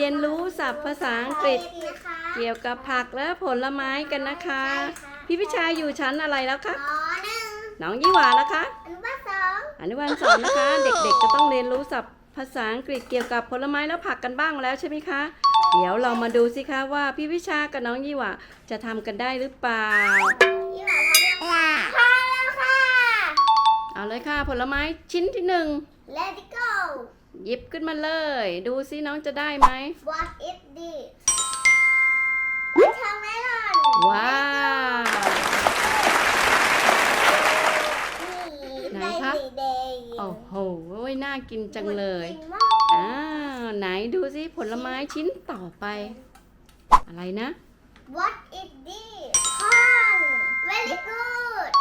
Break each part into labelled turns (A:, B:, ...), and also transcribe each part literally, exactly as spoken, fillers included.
A: นรู้ศัพท์ภาษาอังกฤษเกี่ยวกับผักและผลไม้กันนะคะพี่พิชาอยู่ชั้นอะไรแล้วคะน้องยี่หวาแล้วคะอนุบาลสองนะคะเด็กๆจะต้องเรียนรู้ศัพท์ภาษาอังกฤษเกี่ยวกับผลไม้และผักกันบ้างแล้วใช่ไหมคะเดี๋ยวเรามาดูสิคะว่าพี่พิชากับน้องยี่หวาจะทำกันได้หรือเปล่า
B: ยี่หวาพร้อมแล้วค่ะพร้อมแล้วค่ะ
A: เอาเลยค่ะผลไม้ชิ้นที่หนึ่ง
B: Let it go
A: หยิบขึ้นมาเลยดูซิน้องจะได้ไหม
B: What is this มันทำไม่หล่น
A: ว้าวไหนคะโอ้โหน่ากินจังเลยอ้าวไหนดูซิผลไม้ชิ้นต่อไปอะไรนะ
B: What is this corn very good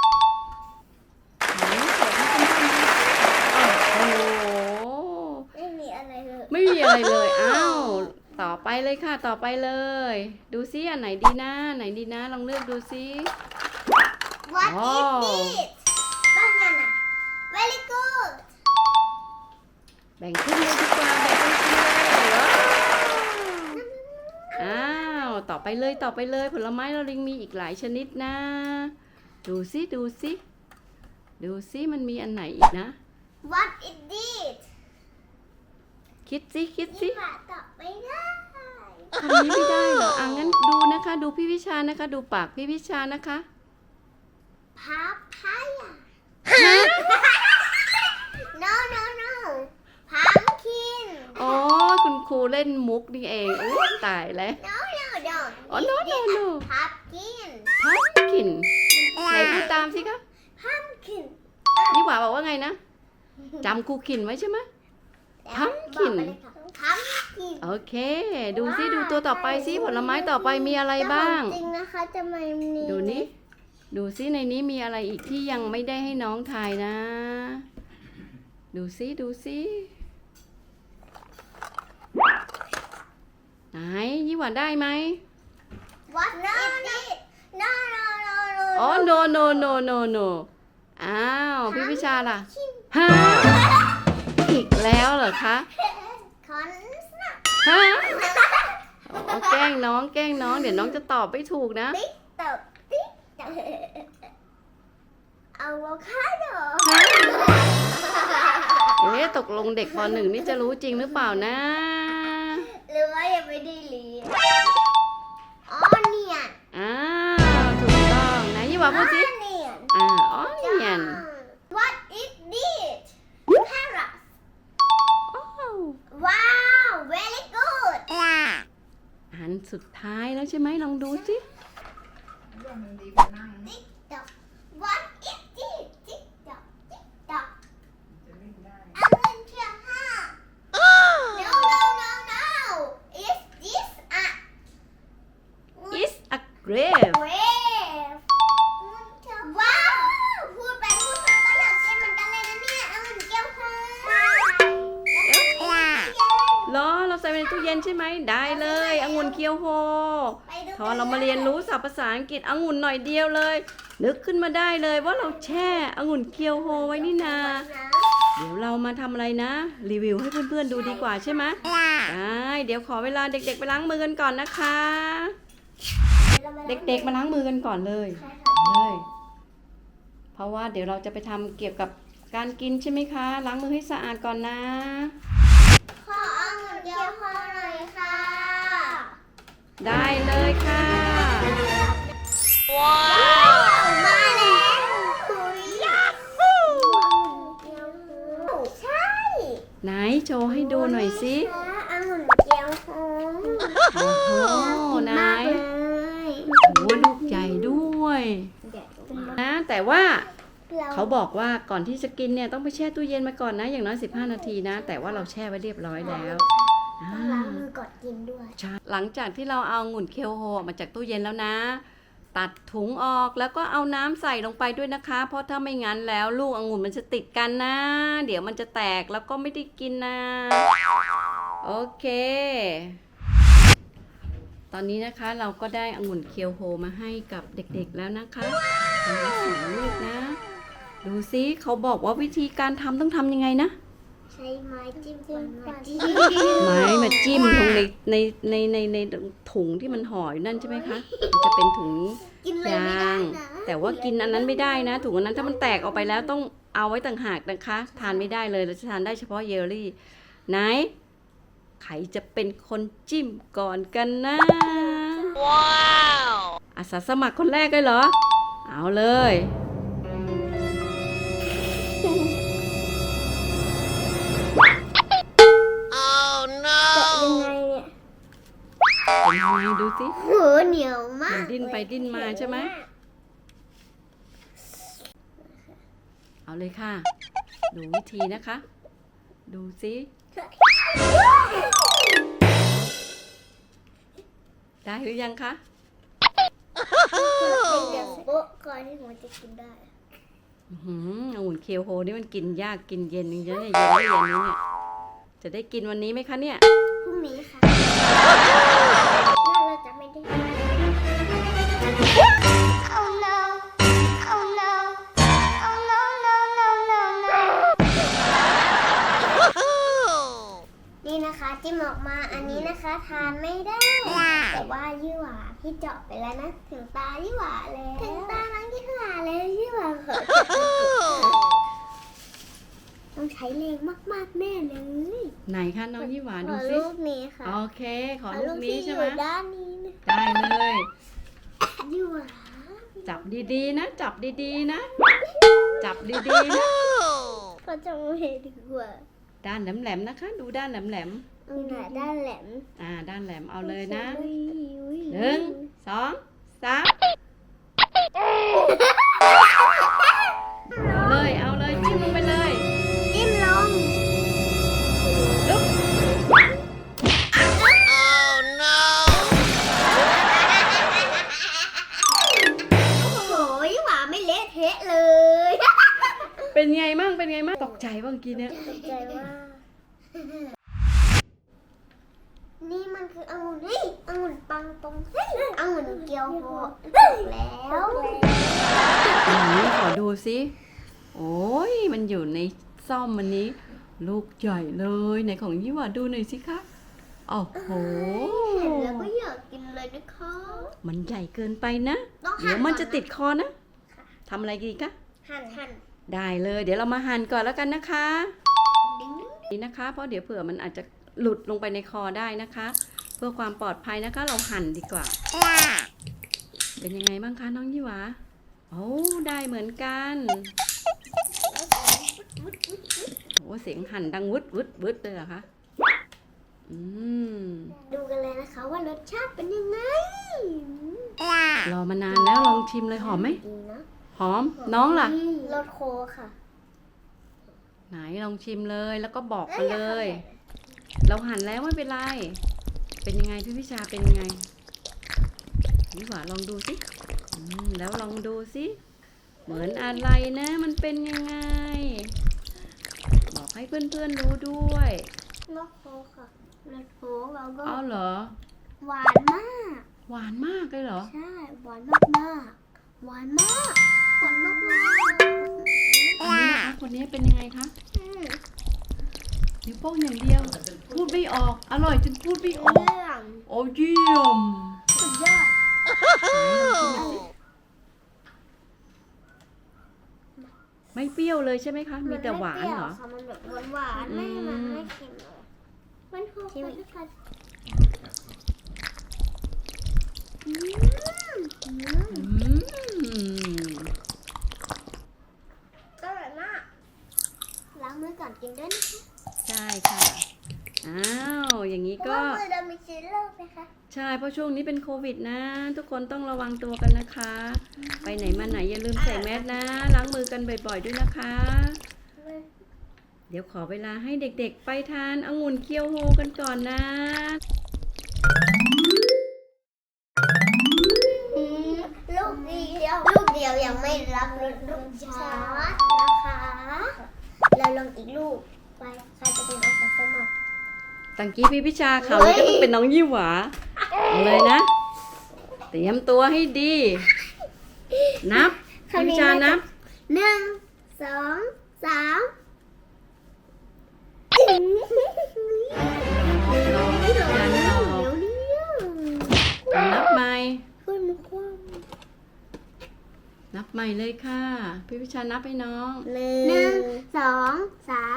A: โอ้โห
B: ไม่มีอะไรเลย
A: ไม่มีอะไรเลยอ้าวต่อไปเลยค่ะต่อไปเลยดูซิอันไหนดีนะไหนดีนะลองเลือกดูซิ
B: What is this banana very good
A: แบ่งขึ้นเลยดีกว่าแบ่งขึ้นเลยว้าวอ้าวต่อไปเลยต่อไปเลยผลไม้เราลิงมีอีกหลายชนิดนะดูซิดูซิดูซิมันมีอันไหนอีกนะ
B: What is this
A: คิดซิคิดซิ
B: ยี่หวาตอบไม่ได้
A: คำนี้ไม่ได้เหรออ่ะงั้นดูนะคะดูพี่วิชานะคะดูปากพี่วิชานะคะ
B: Papaya No no no Pumpkin
A: อ๋อคุณครูเล่นมุกนี่เองโอ้ตายแล้ว
B: No no no
A: อ๋อ no no no
B: Pumpkin
A: pumpkin ไหนพูดตามสิคะ
B: Pumpkin
A: ยี่หวาบอกว่าไงนะจำครูขินไว้ใช่ไหม Pumpkin
B: Pumpkin
A: โอเคดูซิดูตัวต่อไปซิผลไม้ต่อไปมีอะไรบ้าง
B: จริงนะคะจะไม่มี
A: ดูนี่ดูซิในนี้มีอะไรอีกที่ยังไม่ได้ให้น้องทายนะดูซิดูซิไหนยี่หวาได้ไหม
B: What is this No no no no
A: อ๋อ no no no no no อ้าวพี่พิชาล่ะฮะอีกแล้วเหรอคะ
B: คอนสนับ
A: ฮะอ๋อแกล้งน้องแกล้งน้องเดี๋ยวน้องจะตอบไม่ถูกนะ
B: ติ๊กตอกติ๊กตอกอะโวคาโด
A: เอ๊ะตกลงเด็กปหนึ่งนี่จะรู้จริงหรือเปล่านะ
B: หรือว่ายังไม่ได้เรียนออเนียน
A: อ้าวถูกต้องนะยี่หวาพูดสิ
B: เนียน
A: อ่าอ๋อเนียน
B: What is this Carrot
A: อ้าว
B: ว้าว very good
A: อันสุดท้ายแล้วใช่ไหมลองดูสิ
B: ติ๊กตอก What is this ติ๊กตอกติ๊กตอกอันนั้นเชื่อห้า No no no no Is this a
A: is a grape
B: grave ว้าวพูดไปพูดมาก็อยากกินเหมือนกันเลยนะเนี่ยองุ่นเกี๊ยวโฮ
A: เหรอเราใส่ไว้ในตู้เย็นใช่ไหมได้เลยองุ่นเคียวโฮพอเรามาเรียนรู้ศัพท์ภาษาอังกฤษองุ่นหน่อยเดียวเลยนึกขึ้นมาได้เลยว่าเราแช่องุ่นเคียวโฮไว้นี่นาเดี๋ยวเรามาทำอะไรนะรีวิวให้เพื่อนๆดูดีกว่าใช่ไหมได้เดี๋ยวขอเวลาเด็กๆไปล้างมือกันก่อนนะคะ เด็กๆมาล้างมือกันก่อนเลยเลยเพราะว่าเดี๋ยวเราจะไปทำเกี่ยวกับการกินใช่ไหมคะล้างมือให้สะอาดก่อนนะ
B: ขอองุ่นเกี๊ยวโฮหน่อยค่ะ
A: ได้เลยค่ะ
B: ว้าวมาแล้วยาฮูใช่
A: ไหนโชว์ให้ดูหน่อยสิ
B: องุ่นเกี๊ยวโฮ
A: โอ้โหไหน
B: มากเลย
A: โอ้ลูกใหญ่ด้วยนะแต่ว่าเขาบอกว่าก่อนที่จะกินเนี่ยต้องไปแช่ตู้เย็นมาก่อนนะอย่างน้อยสิบห้านาทีนะแต่ว่าเราแช่ไว้เรียบร้อยแล้ว
B: ต้องล้างมือก่อนกินด้วย
A: หลังจากที่เราเอาองุ่นเคียวโฮออกมาจากตู้เย็นแล้วนะตัดถุงออกแล้วก็เอาน้ำใส่ลงไปด้วยนะคะเพราะถ้าไม่งั้นแล้วลูกองุ่นมันจะติดกันนะเดี๋ยวมันจะแตกแล้วก็ไม่ได้กินนะโอเคตอนนี้นะคะเราก็ได้องุ่นเคียวโฮมาให้กับเด็กๆแล้วนะคะทั้งสองลูกนะดูซิเขาบอกว่าวิธีการทำต้องทำยังไงนะ
B: ใช้ไม้จิ้มฟันมาจิ้ม
A: ไม้มาจิ้มตรงในในในในในถุงที่มันห่ออยู่นั่นใช่ไหมคะมันจะเป็นถุง
B: กินเลย
A: ย
B: ไม่ได้
A: าง
B: นะ
A: แต่ว่ากินอันนั้นไม่ได้นะถุงอันนั้นถ้ามันแตกออกไปแล้วต้องเอาไว้ต่างหากนะคะ ทานไม่ได้เลยเราจะทานได้เฉพาะเยลลี่ไหนใครจะเป็นคนจิ้มก่อนกันนะว้าวอาสาสมัครคนแรกเลยเหรอเอาเลย
B: จะยังไงเนี่ย
A: เป็นยังไงดูสิ
B: โหเหนียวมาก
A: มันดิ้นไปดิ้นมาใช่ไหม เอาเลยค่ะ ดูวิธีนะคะ ดูสิได้หรือยังคะ
B: เดี๋ยวโป๊ะก่อนที่หนูจะกินได้
A: อื้อหือองุ่นเคียวโฮนี่มันกินยากกินเย็นจริงๆเนี่ยเย็นไม่เย็นนี้เนี่ยจะได้กินวันนี้ไหมคะเนี่ย
B: พรุ่งนี้ค่ะแล้วเราจะไม่ได้ Oh no Oh no Oh no no no no no นี่นะคะจิ้มออกมาอันนี้นะคะทานไม่ได้ แต่ว่ายี่หว่าพี่เจาะไปแล้วนะถึงตายี่หว่าแล้วถึงตาน้องยี่หว่าแล้วยี่หว่าขอจับต้องใช้แรงมากๆแน่เลย
A: ไหนคะน้องยี่หวา
B: ข
A: ดู
B: อ
A: สิ
B: ลูกนี้ค่ะ
A: โอเค ขอลูกนี้ใช่ไหม
B: ขอลูกที่อยู่ด้านนี้นะ
A: ได้เลย
B: ยี่หว่า
A: จับดีๆนะ จับดีๆนะ จับดีๆนะ
B: ขอจับมือดีกว่า
A: ด้านแหลมๆนะคะ ดูด้านแหลม
B: อืมด้านแหลม
A: ๆอ่า ด้านแหลมเอาเลยนะ
B: อุ้ยอุ้ย
A: หนึ่งสองสามเอาเลยเอาเลยจิ้มลงไปเลย
B: จิ้มลง
A: ลุก
B: โอ้โหยี่หว่าไม่เละเทะเลย
A: เป็นไงมั่งเป็นไงมั่งตกใจบ้างกี้เนี่ย
B: ตกใจว่านี่มันคือองุ่นเฮ้ยองุ่นปังตรงเฮ้ยองุ่นเกียวโฮแล้ว
A: ไหนขอดูสิโอ้ยมันอยู่ในซ่อมมันนี้ ลูกใหญ่เลยไหนของยี่หว่าดูหน่อยสิคะโอ้โห
B: เห็นแล้วก็อยากกินเลยนะคะ
A: มันใหญ่เกินไปนะ
B: ต้องหั่น
A: เดี๋ยวมันจะ
B: ก่อนนะ
A: ติดคอนะทำอะไรดีคะ
B: หั่นหั่น
A: ได้เลย เดี๋ยวเรามาหั่นก่อนแล้วกันนะคะ
B: ดิ้ง
A: นี่นะคะ เพราะเดี๋ยวเผื่อมันอาจจะหลุดลงไปในคอได้นะคะ เพื่อความปลอดภัยนะคะ เราหั่นดีกว่า เป็นยังไงบ้างคะน้องยี่หวาโอ้ได้เหมือนกันโอ้เสียงหั่นดังวึดวึดวึดเลยเหรอคะอืม
B: ดูกันเลยนะคะว่ารสชาติเป็นยังไง
A: รอมานานแล้วลองชิมเลยหอมไหม
B: ดีนะ
A: หอมน้องล่ะ
B: รสโคค่ะ
A: ไหนลองชิมเลยแล้วก็บอกมาเลย เราหั่นแล้วไม่เป็นไร เป็นยังไงพี่พิชาเป็นยังไงนี่หว่าลองดูสิอืมแล้วลองดูสิเหมือนอะไรนะ มันเป็นยังไง บอกให้เพื่อนๆรู้ด้วย
B: รสโคค่ะรสโคเราก็
A: เอาเหรอ
B: หวานมาก
A: หวานมากเลยเหรอ
B: ใช่หวานมากมากๆหวานมากหวานมากมาก
A: คนนี้นะคะคนนี้เป็นยังไงคะนิ้วโป้งอย่างเดียว พูดไม่ออก อร่อยจนพูดไม่ออก
B: เรื่อง
A: โอ้เยี่ยม
B: สุดยอด
A: ไม่เปรี้ยวเลยใช่ไหมคะ มีแต่หวานเหรอ
B: มันแบบหวานหวานๆไม่มันไม่เค็มเลยมันโคกันด้วยกันอืมอืม
A: อืม
B: อร่อยมากล้างมือก่อนกินด้วยนะคะ
A: ใช่ค่ะ อ้าว อย่างนี้
B: เพราะ
A: ก็
B: ว่ามือเรามีเชื้อโรคนะคะ
A: ใช่ เพราะช่วงนี้เป็นโควิดนะ ทุกคนต้องระวังตัวกันนะคะ ไปไหนมาไหนอย่าลืมใส่แมสนะ ล้างมือกันบ่อยๆด้วยนะคะ เดี๋ยวขอเวลาให้เด็กๆ ไปทานองุ่นเคียวโฮกันก่อนนะ
B: อืมลูกเดียวลูกเดียวยังไม่รับรสลูกชาร์จนะคะเราลองอีกลูกไปใครจะเป็นอาสาสมัคร
A: ตังกี้พี่พิชาเขาวนี้ก็ต้องเป็นน้องยี่หวาเอาเลยนะ เตรียมตัวให้ดี นับพี่พิชานับ
B: หนึ่งสองสาม
A: รอยันรอ
B: เดี๋ยวนี้
A: นับใหม่
B: ขึ้นมาคว่
A: นับใหม่เลยค่ะ พี่วิชานับให้น้อง
B: ำหนึ่งสองสาม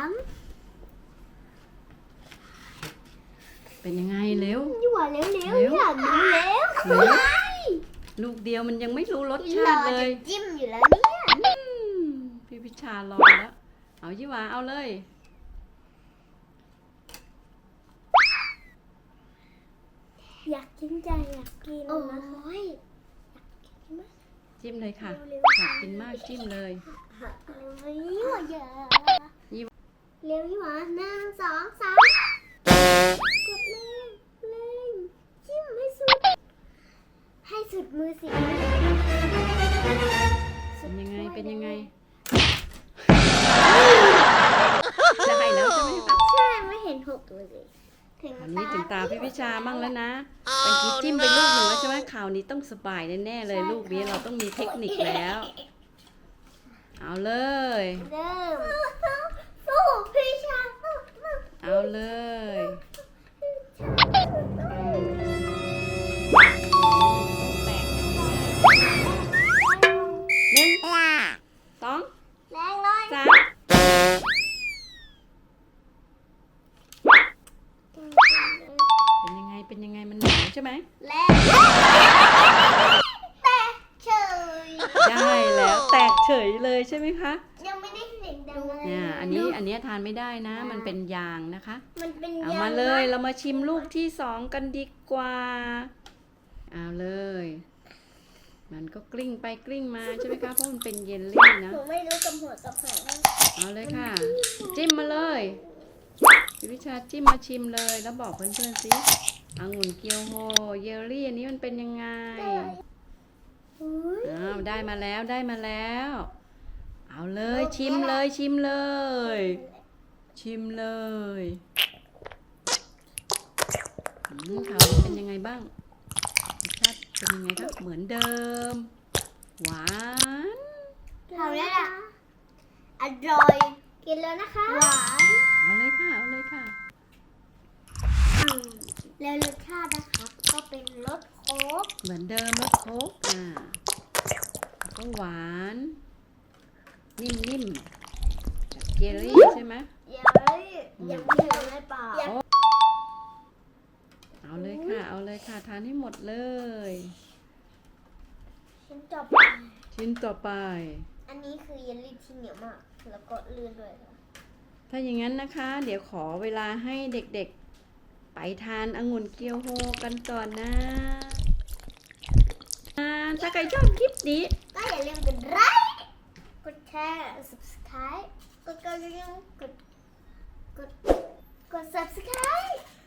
A: เป็นยังไงเร็ว
B: ยั่วเร็วเร็ว
A: เร็ว
B: อยากดูเร็ว
A: เร็ว ลูกเดียวมันยังไม่รู้รสชาติเลย
B: รอจะจิ้มอยู่แล้วเนี่ย
A: อืมพี่วิชารอแล้ว เอายี่หวาเอาเลย
B: อยากกินใจอยากกินโอ้ย
A: จิ้มเลยค่ะอยากกินมากจิ้มเลย
B: เร็วยี่หวาเยอะ
A: ยี่
B: เร็วยี่หวาหนึ่งสองสามกดเร่งเร่งจิ้มให้สุด ให้สุดมือสิ
A: เป็นยังไงเป็นยังไงได้แล้วใช่ไหมคะ
B: ใช่ไม่เห็นหกเลยถึง
A: อันนี้ถึงตาพี่วิชามั่งแล้วนะเมื่อกี้จิ้มไปลูกหนึ่งแล้วใช่ไหมข่าวนี้ต้องสบายแน่ๆเลยลูกนี้เราต้องมีเทคนิคแล้ว เอาเลย
B: เริ่มสู้พี่ชาสู้
A: เอาเลย หนึ่งสอง
B: แรงเลย
A: สามเป็นยังไงเป็นยังไงมันหนาวใช่ไหม
B: แรงแต่เฉย
A: ได้แล้วแตกเฉยเลยใช่ไหมคะ
B: ยังไม่ได้เสียงดังเลย
A: เนี่ยอันนี้อันนี้ทานไม่ได้นะ มันเป็นยางนะคะ
B: มันเป็น
A: เอา
B: ยง
A: มาเลย
B: นะ
A: เรามาชิมลูกที่สองกันดีกว่า เอาเลย มันก็กลิ้งไปกลิ้งมาใช่ไหมคะเพราะมันเป็นเยลลี่นะ
B: หนูไม่รู้กับหัวกับหาง
A: เอาเลยค่ะ จิ้มมาเลยพี่วิชาจิ้มมาชิมเลย แล้วบอกเพื่อนๆสิองุ่นเกียวโฮเยลลี่อันนี้มันเป็นยังไง
B: อุ๊ย
A: อ้าวได้มาแล้วได้มาแล้ว เอาเลยชิมเลยชิมเลย ชิมเลยอืมข่าวนี้เป็นยังไงบ้างรสชาติเป็นยังไงครับเหมือนเดิม หวาน
B: ทำได้ละอร่อยกินแล้วนะคะหวาน
A: เอาเลยค่ะเอาเลยค่ะ
B: อืมแล้วรสชาตินะคะก็เป็นรสโค้ก
A: เหมือนเดิมรสโค้กอ่าแล้วก็หวาน นิ่มๆแบบเจลลี่ใช่ไหม
B: เย้ยยังไม่ถึงในปาก
A: เอาเลยค่ะ เอาเลยค่ะ ทานให้หมดเลย
B: ชิ้นต่อไป
A: ชิ้นต่อไป
B: อันนี้คือเยลลี่ที่เหนียวมาก แล้วก็ลื่นด้วยค่ะ
A: ถ้าอย่างนั้นนะคะ เดี๋ยวขอเวลาให้เด็กๆ ไปทานองุ่นเกียวโฮกันก่อนนะอ่าถ้าใครชอบคลิปนี้
B: ก็อย่าลืมกดไลค์กดแชร์ subscribe กดกระดิ่งกดกดกด subscribe